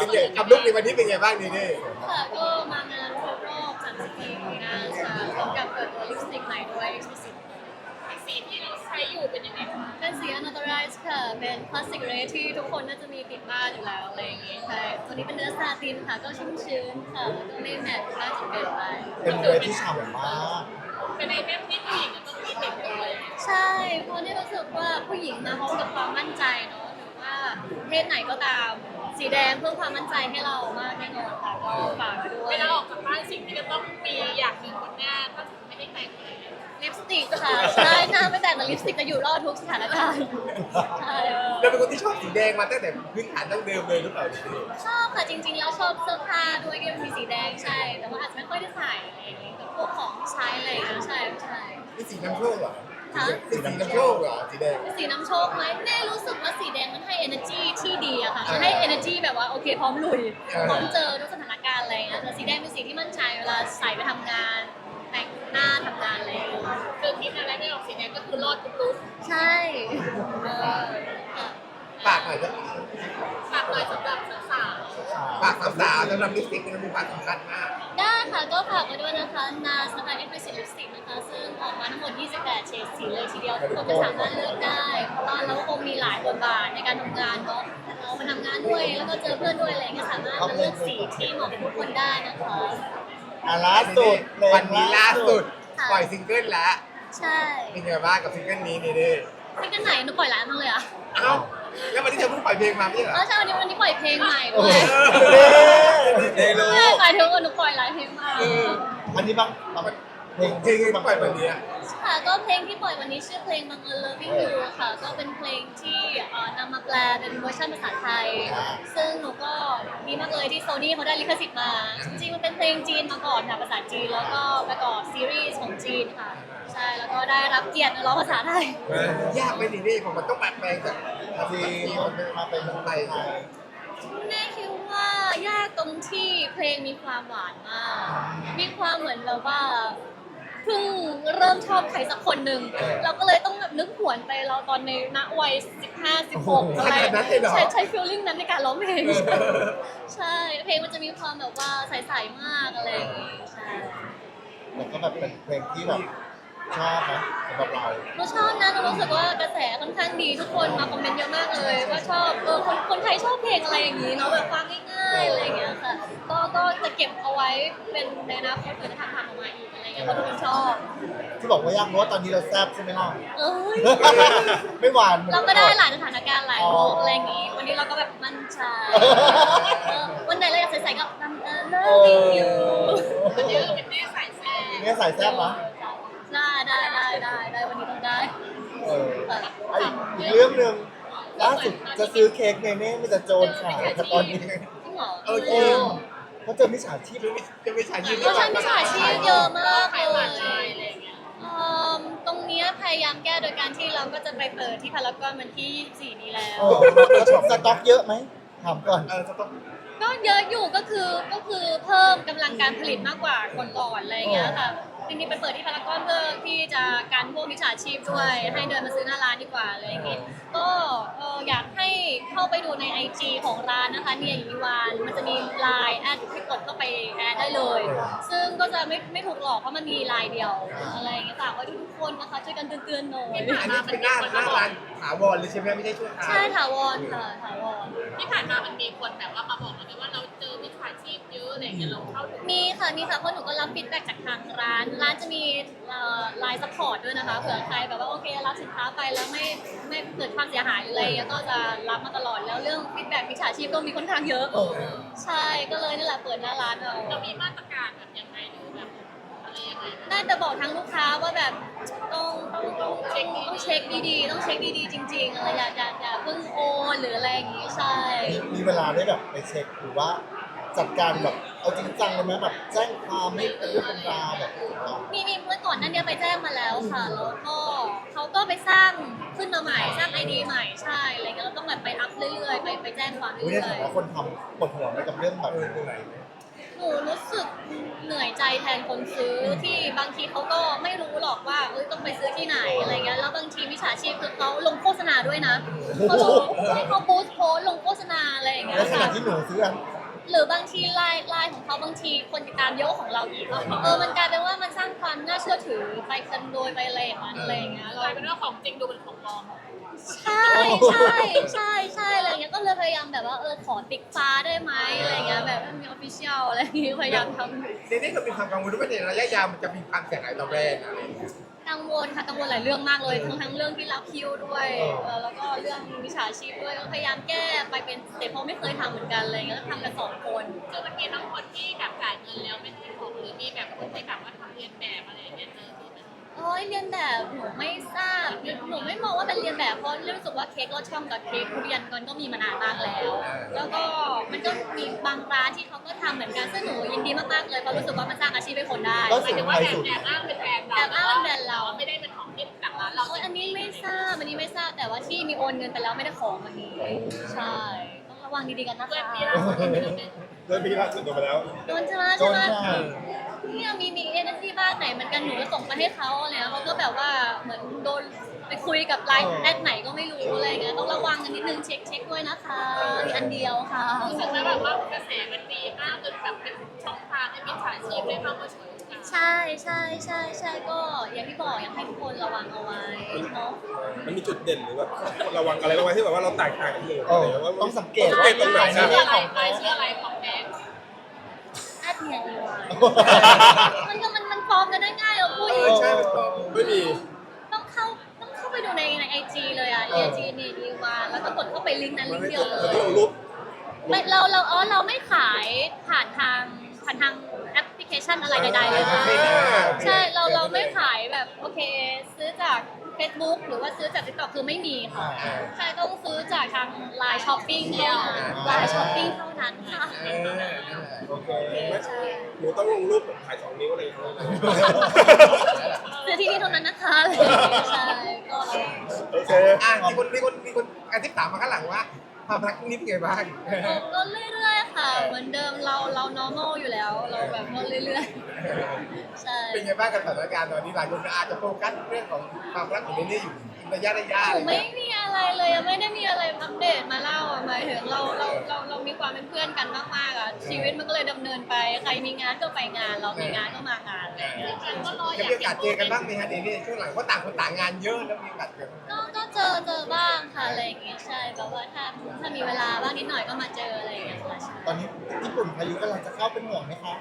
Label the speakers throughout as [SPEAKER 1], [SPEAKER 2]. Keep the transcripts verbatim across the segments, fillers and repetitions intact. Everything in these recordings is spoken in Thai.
[SPEAKER 1] ไงกับลุคในวันนี้เป็นไงบ้างนี่นี่
[SPEAKER 2] ค่ะก็มางานครบรอบสามสิบปีปีหน้าค่ะพร้อมกับเปิดตัวลิปสติกใหม่ด้วย Exclusive
[SPEAKER 3] สีที่เราใช้อยู่เป็นยังไงคะ
[SPEAKER 2] เป็นสี Unauthorized ค่ะ เป็นพลาสติกเรย์ที่ทุกคนน่าจะมีติดบ้านอยู่แล้วอะไรอย่างงี้ใช่ตัวนี้เป็นเนื้อซาตินค่ะ ก็ชุ่มชื้นค่ะแล้วก็ไม่แมตต์มากจนเกินไป
[SPEAKER 4] เป็นเรือที่ฉ่ำมาก
[SPEAKER 3] เป็นไอเทมที่ผู้หญิงจะต้องมีติดตัวเลย
[SPEAKER 2] ใช่เพราะนี่รู้สึกว่าผู้หญิงมาพร้อมกับความมั่นใจเนาะหรือว่าเพศไหนก็ตาม สีแดงเพิ่มความมั่นใจให้เรามากแน่นอนค่ะก็ฝากไว้ด้ว
[SPEAKER 3] เวย ลาออกจากบ้านสิ่งที่จะต้องมีอย่างหนึ่งบนหน้าถ้าไม่ได้แต่งเลย
[SPEAKER 2] ลิปสติกค่ะใช่หน้าไม่แต่งแต่ลิปสติกจะอยู่รอดทุกสถานการณ์ใช่
[SPEAKER 1] เราเป็นคนที่ชอบสีแดงมาตั้งแต่พื้นฐานตั้งเดิมเลยหรือเปล่านี่
[SPEAKER 2] ชอบค่ะจริงๆแล้วชอบเสื้อผ้าด้วยที่มันมีสีแดงใช่ แต่ว่าอาจจะไม่ค่อยได้ใส่อะไรอย่างงี้กับพวกของใช้อะไรอย่างเงี้ยใช่ใช่
[SPEAKER 1] นี่สีน้ำโชคเหรอ
[SPEAKER 2] ฮะ
[SPEAKER 1] สีน้ำโชคเหรอสีแดง
[SPEAKER 2] สีน้ำโชคไหมแน่รู้สึกว่าสีแดงมันให้ energy ที่ดีอะค่ะมันให้ energy แบบว่าโอเคพร้อมลุยพร้อมเจอทุกสถานการณ์อะไรอย่างเงี้ยแต่สีแดงเป็นสีที่มั่นใจเวลาใส่ไปทำงานแต่งหน้าทำงานอะไรอย่างเงี้ย
[SPEAKER 3] คือคิดอะไรไม่ออกสีแดงก็คือรอดทุกลุก
[SPEAKER 2] ใช่เออค่ะ
[SPEAKER 1] ฝากหน่อยนะ
[SPEAKER 3] ฝากหน่อยสำหรับสาว
[SPEAKER 1] ฝากสาวๆสำหรับลิปสติกมันมีความสำคัญมาก
[SPEAKER 2] ได้ค่ะก็ฝากไว้ด้วยนะคะ NARS นะคะ Exclusive Lipstick นะคะซึ่งออกมาทั้งหมด ยี่สิบแปด เฉดสีเลยทีเดียวทุกคนก็สามารถเลือกได้ เพราะว่าเราก็คงมีหลายบทบาทในการทำงานเนาะเรามาทำงานด้วยแล้วก็เจอเพื่อนด้วยอะไรอย่างเงี้ยสามารถมาเลือกสีที่เหมาะกับทุกคนได้นะคะ
[SPEAKER 4] อ่ะล่าสุดเพลง
[SPEAKER 1] วันนี้ล่าสุด
[SPEAKER 2] ค่ะ
[SPEAKER 1] ปล่อยซิงเกิลแล้ว
[SPEAKER 2] ใช่
[SPEAKER 1] เป็นยังไงบ้างกับซิงเกิลนี้นี่ดิ
[SPEAKER 2] ซิงเกิลไหนหนูปล่อยหลายมากเลยอะ
[SPEAKER 1] เอ้าแล้ววันนี้เธอเพิ่งปล่อยเพลงมาไม่ใช่เหรอ
[SPEAKER 2] เออใช่วันนี้วันนี้ปล่อยเพลงใหม่ด้
[SPEAKER 4] โอ้
[SPEAKER 2] วย
[SPEAKER 4] เดโล
[SPEAKER 2] ใช่หมายถึงว่าหนูปล่อยหลายเพลงมาก
[SPEAKER 4] อันนี้บางบางเพลง
[SPEAKER 1] เพลงที่ปล่อยวันนี้อะ
[SPEAKER 2] ค่ะก็เพลงที่ปล่อยวันนี้ชื่อเพลงบังเอิญ Loving You ค่ะ ก็เป็นเพลงที่เอ่อนำมาแปลเป็นเวอร์ชันภาษาไทย ซึ่งหนูก็ดีมากเลยที่โซนี่เขาได้ลิขสิทธิ์มา จริงๆมันเป็นเพลงจีนมาก่อนค่ะภาษาจีน แล้วก็ประกอบซีรีส์ของจีนค่ะ ใช่แล้วก็ได้รับเกียรติมาร้องภาษาไทย
[SPEAKER 1] เออยากไหมนี่นี่ผมมันต้องแปลแปลงจาก
[SPEAKER 4] จีนมาเป็นเมืองไทย
[SPEAKER 2] แม่คิดว่ายากตรงที่เพลงมีความหวานมาก มีความเหมือนแบบว่าเพิ่งเริ่มชอบใครสักคนหนึ่งเราก็เลยต้องแบบนึกหวนไปเราตอนในณวัยสิบห้า สิบหกอะไรใช้ใช้ฟีลลิ่งนั้นในการร้องเพลง ใช่ เพลงมันจะมีความแบบว่าใสๆมากอะไรอย่างงี้ใช่
[SPEAKER 4] แล้วก็แบบเป็นเพลงที่แบบชอบนะสำหรับเรา
[SPEAKER 2] หนูชอบนะหนูรู้สึกว่ากระแสค่อนข้างดีทุกคนมาคอมเมนต์เยอะมากเลยว่าชอบเออคนคนไทยชอบเพลงอะไรอย่างนี้เนาะแบบฟังง่ายๆอะไรอย่างเงี้ยค่ะก็ก็จะเก็บเอาไว้เป็นในอนาคตเผื่อจะทำทำออกมาอีกอะไรเงี้ยเพราะทุกคนชอบ
[SPEAKER 4] ที่บอกว่ายากเพราะว่าตอนนี้เราแซ่บใช่ไหมล่ะ
[SPEAKER 2] เอ้ย
[SPEAKER 4] ไม่หวาน
[SPEAKER 2] เราก็ได้หลายสถานการณ์หลายโลกอะไรอย่างงี้ วันนี้เราก็แบบมั่นใจเออวันไหนเราอยากใส่ๆก็ทำเออ loving you
[SPEAKER 3] ๆวันนี้เราเป็นแม่สายแซ่
[SPEAKER 4] เนี่ยใส่แซ่บนะ
[SPEAKER 2] ได้ได้ได้ได้ได้วันนี้ต้องได้
[SPEAKER 4] เอออ่ะอีกเรื่องหนึ่งล่าสุดจะซื้อเค้กเนเน่ไม่จะโจรขายแต่ตอนนี้
[SPEAKER 2] จริงเหรอ
[SPEAKER 1] เออจ
[SPEAKER 4] เอ
[SPEAKER 1] ริง
[SPEAKER 4] อเขาเจอมิจฉาชีพ
[SPEAKER 1] จะไม่ใช่ยืน
[SPEAKER 2] ก็ใช่มิจฉาชีพเยอะมาก
[SPEAKER 3] ขาย
[SPEAKER 2] เล
[SPEAKER 3] ผ่าน
[SPEAKER 2] ย
[SPEAKER 3] ไลน์อะไรอย่างเงี้ย
[SPEAKER 2] เอิ่มตรงเนี้ยพยายามแก้โดยการที่เราก็จะไปเปิดที่พารากอนวันที่ยี่สิบสี่นี้แล้ว
[SPEAKER 4] เออแล้วสต็อกเยอะไหมถามก่อน
[SPEAKER 1] เออจะต้อง
[SPEAKER 2] ก็เยอะอยู่ก็คือก็คือเพิ่มกำลังการผลิตมากกว่าก่อนๆอะไรอย่างเงี้ยค่ะจริงๆไปเปิดที่พารากอนเพื่อที่จะการพวกมิจฉาชีพด้วย ให้เดินมาซื้อหน้าร้านดีกว่าอะไรอย่างเงี้ยก็เอออยากให้เข้าไปดูใน ไอ จี ของร้านนะคะเนี่ยอีวานมันจะมีไลน์แอดที่กดเข้าไปแอดได้เลย ซึ่งก็จะไม่ไม่ถูกหลอกเพราะมันมีไลน์เดียวอะไรอย่างเงี้ยฝากไว้ทุกคนนะคะช่วยกันเตือนๆหน่อย
[SPEAKER 1] อันนี้เป็นหน้าหน้าร้านถาวรเลยใช่ไหมไม่ใช่ชั่วคราว
[SPEAKER 2] ใช่ถาวรค่ะถาวร
[SPEAKER 3] ที่ผ่านมามันมีคนแบบว่ามาบอกเราไหมว่าเราเจอมิจฉาชีพเยอะอะไรอย่างเงี้ยเราเข้าถึง
[SPEAKER 2] มีค่ะมีค่ะเพราะหนูก็รับฟีดแบ็กจากทางร้าน ร้านจะมีไลน์ซัพพอร์ตด้วยนะคะเผื่อใครแบบว่าโอเครับสินค้าไปแล้วไม่ไม่เกิดความเสียหายหรืออะไรเงี้ยก็จะรับมาตลอดแล้วเรื่องฟีดแบ็กมิจฉาชีพก็มีค่อนข้างเยอะ ใช่ก็เลยนี่แหละเปิดหน้าร้านเอา
[SPEAKER 3] เรามีมาตรการแบบยังไงหรือแบบอะไรยังไง
[SPEAKER 2] น่าจะบอกทางลูกค้าว่าแบบต้องต้องต้องเช็คต้องเช็คดีๆต้องเช็คดีๆจริงๆอะไรอย่าอย่าอย่าเพิ่งโอนหรืออะไรอย่างงี้ใช่
[SPEAKER 4] มีมีเวลาได้แบบไปเช็คหรือว่าจัดการแบบเอาจริงจังเลยไหมแบบแจ้งความให้เป็นเรื่องเป็นราวแบบ
[SPEAKER 2] มีมีเมื่อก่อนนั้นเนี่ยไปแจ้งมาแล้วค่ะ แล้วก็เขาก็ไปสร้างขึ้นมาใหม่สร้างไอดีใหม่ใช่อะไรเงี้ยเราต้องแบบไปอัพเรื่อยๆไปไปแจ้งความ
[SPEAKER 4] อุ้ย
[SPEAKER 2] เรื่
[SPEAKER 4] ใน
[SPEAKER 2] อ
[SPEAKER 4] ฐาย นะคนทำปวดหัวไหมกับเรื่องแบบ
[SPEAKER 1] เออเหนื่อย
[SPEAKER 2] ๆหนูรู้สึกเหนื่อยใจแทนคนซื้อที่บางทีเขาก็ไม่รู้หรอกว่าเอ้ยต้องไปซื้อที่ไหนอะไรเงี้ยแล้วบางทีมิจฉาชีพคือเขาลงโฆษณาด้วยนะเขาลงให้เขาบูสต์โพสต์ลงโฆษณาอะไรอย่างเงี้ย
[SPEAKER 4] ในขณะ
[SPEAKER 2] ค่ะ
[SPEAKER 4] ที่หนูซื้ออัน
[SPEAKER 2] หรือบางทีไลน์ไลน์ของเขาบางทีคนติดตามเยอะกว่าของเราอีกเออมันกลายเป็นว่ามันสร้างความน่าเชื่อถือไปกันโดยไปอะไรอย่างนั้นอะไรอย่างเงี้ย
[SPEAKER 3] ก
[SPEAKER 2] เรา
[SPEAKER 3] ลายเป็นว่าของจริงดูเป็นของปลอม
[SPEAKER 2] ใช่ใช่ใช่ใช่อะไรเงี้ยก็เลยพยายามแบบว่าเออขอติ๊กฟ้าได้ไหมอะไรเงี้ยแบบมีออฟฟิเชียลอะไรอย่างเงี้ยพยายามทำ
[SPEAKER 1] ในนี้ก็มีความกังวลว่าในระยะยาวมันจะมีความเสียหายต่อแบรนด์อะไรอย่างเงี้ย
[SPEAKER 2] กังวลค่ะกังวลหลายเรื่องมากเลยทั้งทั้งเรื่องที่รับคิวด้วยเออแล้วก็เรื่องวิชาชีพด้วยก็พยายามแก้ไปเป็นสเต็ปเพราะไม่เคยทำเหมือนกันอะไรเงี้ยก็ทำกันสองคน
[SPEAKER 3] คือมันมีทั้งคนที่แบบจ่ายเงินแล้วไม่ได้ของหรือมีแบบคนที่แบบว่าทำเรียนแบบอะไรอย่างเงี้ยเจอคือมัน
[SPEAKER 2] โอ้ยเรียนแบบหนูไม่ทราบหนูไม่มองว่าเป็นเรียนแบบเพราะรู้สึกว่าเค้กรสช่องกับเค้กทุเรียนมันก็มีมานานมากแล้ว แล้วก็มันก็มีบางร้านที่เขาก็ทำเหมือนกันซึ่งหนูยินดีมากๆเลยเพราะรู้สึกว่ามันสร้างอาชีพให้คนได้
[SPEAKER 4] ก็
[SPEAKER 3] หมายถึงว่าแอบแอบอ้างเป็นแบรนด์เรา
[SPEAKER 2] แอบอ้างเป็นแบรนด์เรา
[SPEAKER 3] ไม่ได้เป็นของที่จากร้านเรา
[SPEAKER 2] โอ้ยอันนี้ไม่ทราบอันนี้ไม่ทราบแต่ว่าที่มีโอนเงินไปแล้วไม่ได้ของวันนี้ใช่ต้องระวังดีๆกันนะคะ
[SPEAKER 3] เพื่อนพี่ล่าสุดเป็นแบบนี้
[SPEAKER 5] เริ่มพี่ล่าสุดโดนไปแล้ว
[SPEAKER 2] โดนใช่ไหม
[SPEAKER 4] โด
[SPEAKER 2] ใช่
[SPEAKER 4] น
[SPEAKER 2] ไหม
[SPEAKER 4] ค่ะ
[SPEAKER 2] เนี่ยมีมีเอเจนซี่บ้านไหนเหมือนกันหนูก็ส่งไปให้เขาอะไรเนี่ยเขาก็แบบว่าเหมือนโดนไปคุยกับไลน์แอดไหนก็ไม่รู้อะไรเงี้ยต้องระวังกันนิดนึงเช็คเช็คด้วยนะคะมีอันเดียวค่ะ
[SPEAKER 3] รู้สึกไหมแบบว่ากระแสมันดีมากจนแบบเป็นช่องทางให้มิจฉาชีพได้เข้ามาช่วยกัน
[SPEAKER 2] ใช่ใช่ใช่ใช่ก็อย่างที่บอกอยากให้ทุกคนระวังเอาไว้เนาะ
[SPEAKER 5] มันมีจุดเด่นหรือว่าระวังอะไรบ้างไหมที่แบบว่าเราแตกต่างกันอยู่
[SPEAKER 4] เออ
[SPEAKER 5] อะไรว่า
[SPEAKER 4] ต้องสังเกต
[SPEAKER 5] สังเกตตรงไหน
[SPEAKER 3] ชื่
[SPEAKER 5] นะ
[SPEAKER 3] ออะไรไปชื่ออะไรของแบงค์
[SPEAKER 2] แอดเนี่ยดีวายมันก็มันมันปลอมกันได้ง่ายเราพูด
[SPEAKER 1] เอ
[SPEAKER 2] อ
[SPEAKER 1] อยู่ ใช่มันก็
[SPEAKER 5] ไม่มี
[SPEAKER 2] ต้องเข้าต้องเข้าไปดูในในไอจีเลยอ่ะไอจีเนี่ยดีวายแล้วก็กดเข้าไปลิงก์นั้นลิงก์เดียวเล
[SPEAKER 5] มัน
[SPEAKER 2] ย
[SPEAKER 5] ต้องลงรูป
[SPEAKER 2] ไม่เราเราอ๋อเราไม่ขายผ่านทางผ่านทางแอปพลิเคชันอะไรใดๆเลยนะใช่เราเราไม่ขายแบบโอเค ซื้อจาก Facebook หรือว่าซื้อจาก TikTok คือไม่มีค่ะใช่ต้องซื้อจากทาง Line Shopping เท่านั้น Line Shopping เท่านั้นค่ะ
[SPEAKER 1] เออนั่นแหละ
[SPEAKER 4] โอเค
[SPEAKER 2] ใช่
[SPEAKER 5] หนูต้องลงรูปแบบถ่ายสองนิ้วอะไรอย่างเงี้ย
[SPEAKER 2] ซื้อที่นี่เท่านั้นนะคะอะไรอย่างเงี้ยใช่ก็ระวัง
[SPEAKER 5] โอเค
[SPEAKER 1] อ่ะมีคนมีคนมีคนอาทิตย์ถามมาข้างหลังว่าความรักนี่เป็นไงบ้าง
[SPEAKER 2] ก็เรื่อยๆค่ะ เหมือนเดิมเราเรา normal อยู่แล้ว เราแบบก็เรื่อยๆใช่
[SPEAKER 1] เป็นไงบ้างกับสถานการณ์ตอนนี้หลายคนอาจจะโฟกัสเรื่องของความรักของเนเน่อยู่ระยะระยะ
[SPEAKER 2] หนูไม่มีอะไรเลยอะไม่ได้มีอะไรอัปเดตมาเล่าอะหมายถึงเราเราเราเรามีความเป็นเพื่อนกันมากๆอะชีวิตมันก็เลยดำเนินไปใครมีงานก็ไปงาน เรามีงานก็มางานอะไรอย่างเงี้ย
[SPEAKER 3] ก็รออ
[SPEAKER 1] จะ
[SPEAKER 3] ยาก
[SPEAKER 1] มีโอกาสเจอกันบ้างไหมฮะเนเน่ช่วงหลังเพราะต่างคนต่างงานเยอะแล้วมีโอกาสเจอ
[SPEAKER 2] ก็ก็เจอเจอบ้างค่ะอะไรอย่างเงี้ยใช่แบบว่าถ้าถ้ามีเวลาบ้างนิดหน่อยก็มาเจออะไรอย่างเงี้ยค่ะใช่
[SPEAKER 4] ตอนนี้ญี่ปุ่นพายุกำลังจะเข้าเป็นห่วงไหมคะ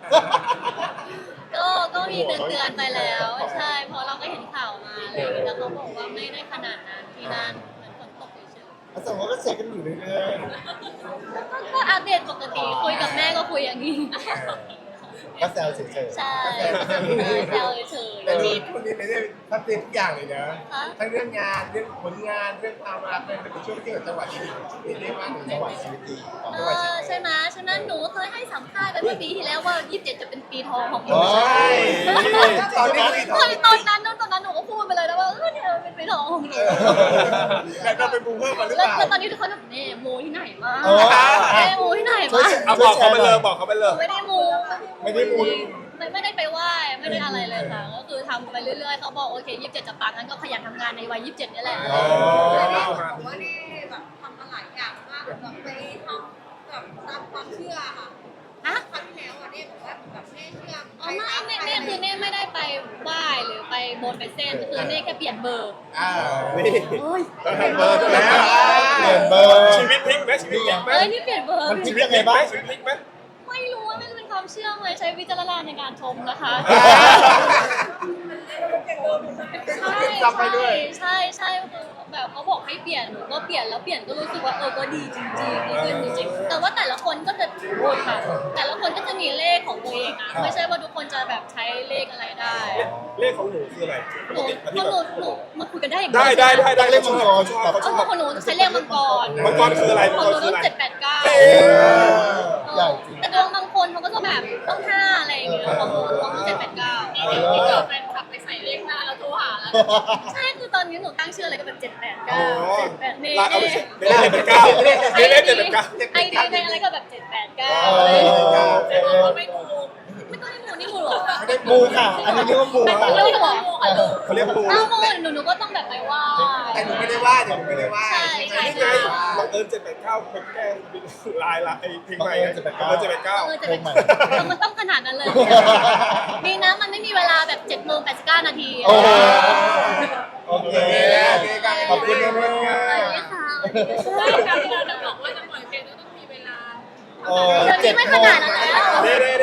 [SPEAKER 2] ก็ก็มีเตือนเตือนๆไปแล้ว ใช่เพราะเราก็เห็นข่าวมาอะไรอย่างเงี้ยแต่เขาบอกว่าไม่ได้ขนาดนั้นที่นั่นเหมือนฝนตกเฉยๆ
[SPEAKER 4] แล้วสมมติว่าเช็คกันอยู่เรื่อย
[SPEAKER 2] ก็ก็อัปเดตปกติคุยกับแม่ก็คุยอย่างนี้
[SPEAKER 4] ๆก็แซวเฉย
[SPEAKER 2] ใช่แซวเฉย
[SPEAKER 1] แต่นี่ช่วงนี้เนเน่ทัดเจนทุกอย่างเลยนะ
[SPEAKER 2] ๆคะ
[SPEAKER 1] ทั้งเรื่องงานเรื่องผลงานเรื่องความรักเลยเป็นช่วงที่แบบจังหวะดีๆเนเน่มากเลย
[SPEAKER 4] ๆจังหวะชีวิตดี
[SPEAKER 2] เออใช่ไหมฉะนั้นหนูเคยให้สัมภาษณ์ไปเมื่อปีที่แล้วว่ายี่สิบเจ็ดจะเป็นปีทองของหนู
[SPEAKER 4] อ๋อ
[SPEAKER 1] ใช่ตอนนี้คุย
[SPEAKER 2] เฮ้ยตอนนั้นตอนนั้นหนูก็พูดไปเลยนะว่าเออเนี่ยเป็นปีทองของหนู
[SPEAKER 1] แต่เราเป็นบูเพิ่มมาหรือ
[SPEAKER 2] แล้ว
[SPEAKER 1] เปล่า
[SPEAKER 2] แล้วตอนนี้ทุกคนแบบเนี่ยมูที่ไหนมา
[SPEAKER 4] อ๋อ
[SPEAKER 2] เอ้มูที่ไหนมา
[SPEAKER 5] เอาบอกเขาไปเลยบอกเขาไปเลย
[SPEAKER 2] ไม่ได้มู
[SPEAKER 4] ไม่ได้มู
[SPEAKER 2] ไม่ไม่ได้ไปไหว้ไม่ได้อะไรเลยค่ะ ก็คือทำไปเรื่อยๆเขาบอกโอเคยี่สิบเจ็ดจะปังงั้นก็ขยันทำงานในวัยยี่สิบเจ็ดนี่แหละ
[SPEAKER 4] อ๋อ
[SPEAKER 6] บอกว่านี่แบบทำมาหลายอย่างมากแบบไปทำแบบตามความเชื่อค่ะ
[SPEAKER 2] ฮะ
[SPEAKER 6] ครั้งที่แล้วอ่ะเนี่ยบอกว่าแบบแม่เชื่อ
[SPEAKER 2] อ๋อไม่ไม่ไม่คือเน่ไม่ได้ไปไหว้หรือไปบนไปเส้นคือเน่แค่เปลี่ยนเบอร์
[SPEAKER 1] อ่า
[SPEAKER 5] นี่
[SPEAKER 2] เฮ้ย
[SPEAKER 5] ต้องทำเบอร์ด้วยแล้ว
[SPEAKER 4] เปลี่ยนเบอร์
[SPEAKER 5] ชีวิตพลิกไหมชีวิตพลิกไหม
[SPEAKER 2] เอ้ยนี่เปลี่ยนเบอร์
[SPEAKER 4] มันพลิกยังไงบ้าง
[SPEAKER 5] ชีวิตพลิกไหม
[SPEAKER 2] ไม่รู้ว่ามันเป็นความเชื่อไหมใช้วิจารณญาณในการชมนะคะใช่
[SPEAKER 1] จำไปด้วย
[SPEAKER 2] ใช่ใช่คือแบบเขาบอกให้เปลี่ยนหนูก็เปลี่ยนแล้วเปลี่ยนก็รู้สึกว่าเออก็ดีจริงๆดีขึ้นจริงๆแต่ว่าแต่ละคนก็จะโอ้ยค่ะ แต่ละคนก็จะมีเลขของตัวเองนะไม่ใช่ว่าทุกคนจะแบบใช้เลขอะไรได้
[SPEAKER 5] เลขของหนูคืออะไรป
[SPEAKER 2] ห
[SPEAKER 5] ก
[SPEAKER 2] นู
[SPEAKER 5] ติ
[SPEAKER 2] เพราะหนูหนูมาคุยกันได้อย่าง
[SPEAKER 5] ได้ได้ได้ได้
[SPEAKER 4] เลขมังกร
[SPEAKER 5] ชอบ
[SPEAKER 4] แต่
[SPEAKER 5] เขาช
[SPEAKER 2] เอ
[SPEAKER 5] อ
[SPEAKER 2] อบ ของหนูใช้เลขมังกร
[SPEAKER 5] มังกรคืออะไร
[SPEAKER 2] ข
[SPEAKER 5] มั
[SPEAKER 2] อง
[SPEAKER 5] ง
[SPEAKER 2] ห
[SPEAKER 5] ก
[SPEAKER 2] นู
[SPEAKER 5] รคือ
[SPEAKER 2] ต้อง
[SPEAKER 5] อะไร
[SPEAKER 2] เจ็ดแปดเก้า
[SPEAKER 5] เอ๊ะ
[SPEAKER 4] ใหญ่จริง
[SPEAKER 2] แต่ดวงบางคนเขาก็จะแบบต้องห้าอะไรอย่างเงี้ยของหนูของหนูเจ็ดแปดเก้า
[SPEAKER 3] ที่เกิดแฟนคลับไปใส่เลขหน้าแล้วโทรหาแล้ว
[SPEAKER 2] ใช่คือตอนนี้หนูตั้งชื่ออะไรก็แบบเจ็ดแปดเก้าเจ็ดแปดเน่
[SPEAKER 5] ลาเอาไปเช็คเลขเป็นเก้าเลขเลขเป็นเก้า
[SPEAKER 2] ไอเดียในอะไรก็แบบเจ็ดแปดเก้า
[SPEAKER 4] เออ
[SPEAKER 3] แต่บอกว่าไม่ถูก
[SPEAKER 2] ไม่ต้องให้หนูนี่มูเหรอ
[SPEAKER 1] ไม่ได้
[SPEAKER 4] มูค่ะ อันนี้เรียกว่ามูค่ะ
[SPEAKER 2] เรียกว่ามูค่ะลูก
[SPEAKER 5] เขาเรียกปู
[SPEAKER 2] ถ้ามูหนูหนูก็ต้องแบบไปไหว่า
[SPEAKER 1] แต่หนูไม่ได้ว่าเดี๋ยวหนูไม่ได้ว่า
[SPEAKER 2] ใช่ใช่
[SPEAKER 5] นี่ไงบังเอิญเจ็ดแปดเก้าเป็นแก้ลายละไอเพลงใหม่
[SPEAKER 4] บังเอิญเจ็ดแปดเก้า
[SPEAKER 5] บังเอิญเจ็ดแปดเก้า
[SPEAKER 2] เออจะเป็นมันต้องขนาดนั้นเลยดีนะมันไม่มีเวลาแบบเจ็ดโมงแปดสิบเก้านาที
[SPEAKER 4] โอ้โหโอเค
[SPEAKER 1] โอเคกัน
[SPEAKER 4] ขอบคุณนะ
[SPEAKER 2] สวัสดีค่ะ
[SPEAKER 3] การที่เราจะบอกว่าจะปล่อยเพลงต้องมีเวลา
[SPEAKER 4] เออ
[SPEAKER 2] เดี๋ยวนี้ไม่ขนาดนั้นแล้ว
[SPEAKER 5] เด้เด้